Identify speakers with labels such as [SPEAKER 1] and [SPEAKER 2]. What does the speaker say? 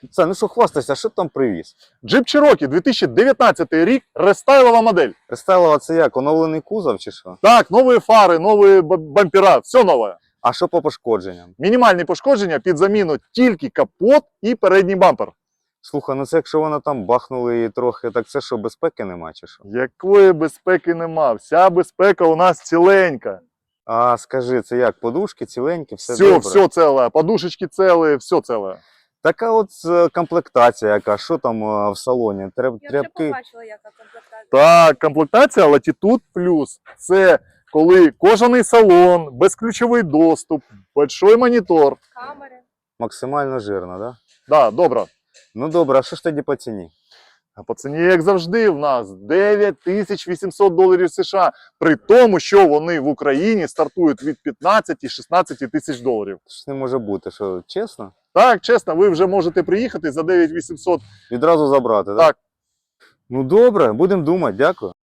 [SPEAKER 1] Це, ну що хвастайся, що ти там привіз?
[SPEAKER 2] Jeep Cherokee 2019 рік, рестайлова модель.
[SPEAKER 1] Рестайлова це як, оновлений кузов чи що?
[SPEAKER 2] Так, нові фари, нові бампера, все нове.
[SPEAKER 1] А що по пошкодженням?
[SPEAKER 2] Мінімальні пошкодження під заміну тільки капот і передній бампер.
[SPEAKER 1] Слухай, ну це якщо вона там бахнули її трохи, так це що, безпеки нема чи що?
[SPEAKER 2] Якої безпеки нема, вся безпека у нас ціленька.
[SPEAKER 1] А скажи, це як, подушки ціленькі, все
[SPEAKER 2] Все,
[SPEAKER 1] добре?
[SPEAKER 2] все целе, подушечки целі, все целе.
[SPEAKER 1] Така от комплектація яка, що там в салоні?
[SPEAKER 3] Я вже
[SPEAKER 1] Тряпки?
[SPEAKER 3] побачила, яка комплектація.
[SPEAKER 2] Так, комплектація Latitude Plus. Це коли кожаний салон, безключовий доступ, большой монітор.
[SPEAKER 3] Камери.
[SPEAKER 1] Максимально жирно, да?
[SPEAKER 2] Да, добре.
[SPEAKER 1] Ну добре, а що ж тоді по ціні?
[SPEAKER 2] А по ціні, як завжди, в нас $9800 США. При тому, що вони в Україні стартують від 15 і 16 тисяч доларів.
[SPEAKER 1] Це ж не може бути, що чесно?
[SPEAKER 2] Так, чесно, ви вже можете приїхати за 9800.
[SPEAKER 1] Відразу забрати, так?
[SPEAKER 2] Так.
[SPEAKER 1] Ну добре, будемо думати, дякую.